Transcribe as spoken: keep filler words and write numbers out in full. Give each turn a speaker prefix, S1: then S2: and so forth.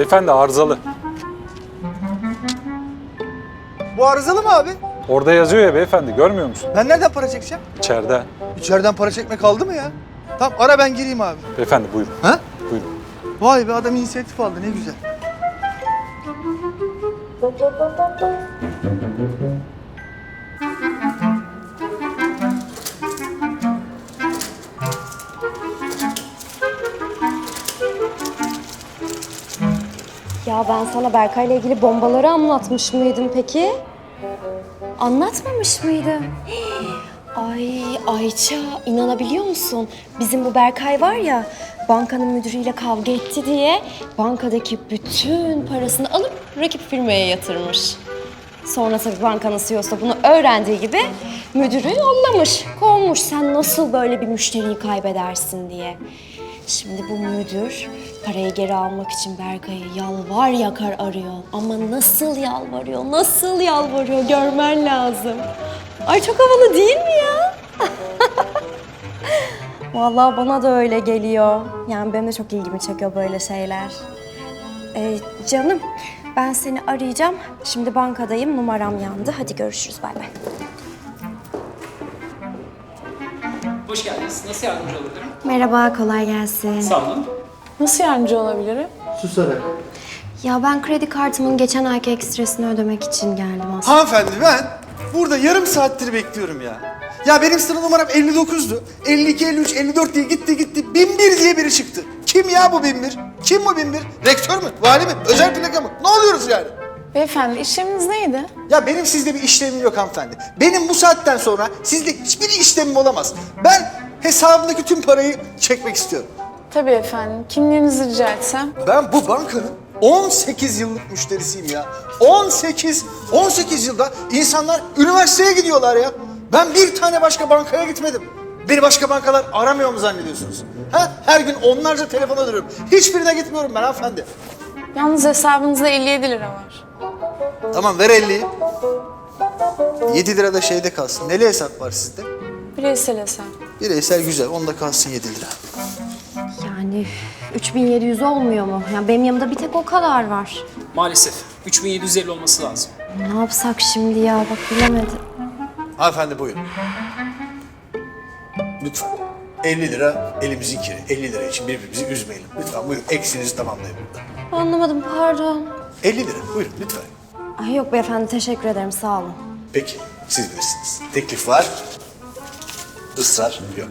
S1: Beyefendi arızalı.
S2: Bu arızalı mı abi?
S1: Orada yazıyor ya beyefendi, görmüyor musun?
S2: Ben nereden para çekeceğim?
S1: İçeride.
S2: İçeriden para çekme kaldı mı ya? Tamam ara ben gireyim abi.
S1: Beyefendi buyurun.
S2: Ha?
S1: Buyurun.
S2: Vay be adam inisiyatif aldı ne güzel.
S3: Ya ben sana Berkay'la ilgili bombaları anlatmış mıydım peki? Anlatmamış mıydım? Ay Ayça, inanabiliyor musun? Bizim bu Berkay var ya, bankanın müdürüyle kavga etti diye bankadaki bütün parasını alıp rakip firmaya yatırmış. Sonra tabii bankanın C E O'su da bunu öğrendiği gibi müdürü yollamış, kovmuş. Sen nasıl böyle bir müşteriyi kaybedersin diye. Şimdi bu müdür parayı geri almak için Berkay'ı yalvar yakar arıyor. Ama nasıl yalvarıyor, nasıl yalvarıyor görmen lazım. Ay çok havalı değil mi ya? Vallahi bana da öyle geliyor. Yani benim de çok ilgimi çekiyor böyle şeyler. Ee, canım ben seni arayacağım. Şimdi bankadayım, numaram yandı. Hadi görüşürüz, bay bay.
S4: Hoş geldiniz. Nasıl yardımcı olabilirim?
S3: Merhaba, kolay gelsin.
S4: Sağ olun.
S5: Nasıl yardımcı olabilirim?
S2: Susarak.
S3: Ya ben kredi kartımın geçen ayki ekstresini ödemek için geldim aslında.
S2: Hanımefendi ben burada yarım saattir bekliyorum ya. Ya benim sıra numaram elli dokuzdu. elli iki, elli üç, elli dört diye gitti gitti. bin bir diye biri çıktı. Kim ya bu bin bir? Kim bu bin bir? Rektör mü? Vali mi? Özel plaka mı? Ne oluyoruz yani?
S5: Beyefendi işleminiz neydi?
S2: Ya benim sizde bir işlemim yok hanımefendi. Benim bu saatten sonra sizde hiçbir işlemim olamaz. Ben hesabımdaki tüm parayı çekmek istiyorum.
S5: Tabii efendim. Kimliğinizi rica etsem.
S2: Ben bu bankanın on sekiz yıllık müşterisiyim ya. on sekiz, on sekiz yılda insanlar üniversiteye gidiyorlar ya. Ben bir tane başka bankaya gitmedim. Beni başka bankalar aramıyor mu zannediyorsunuz? Ha? Her gün onlarca telefon alıyorum. Hiçbirine gitmiyorum ben hanımefendi.
S5: Yalnız hesabınızda elli yedi lira var.
S2: Tamam ver elliyi. yedi lira da şeyde kalsın. Neli hesap var sizde?
S5: Bireysel hesap.
S2: Bireysel güzel. Onda kalsın yedi lira.
S3: Yani üç bin yedi yüz olmuyor mu? Yani benim yanımda bir tek o kadar var.
S4: Maalesef. üç bin yedi yüz elli olması lazım.
S3: Ne yapsak şimdi ya? Bak bilemedim.
S2: Hanımefendi buyurun. Lütfen. elli lira elimizin kiri. elli lira için birbirimizi üzmeyelim. Lütfen buyurun eksinizi tamamlayın burada.
S3: Anlamadım, pardon.
S2: elli lira buyurun lütfen.
S3: Ay yok beyefendi, teşekkür ederim, sağ olun.
S2: Peki siz bilirsiniz. Teklif var. Israr yok.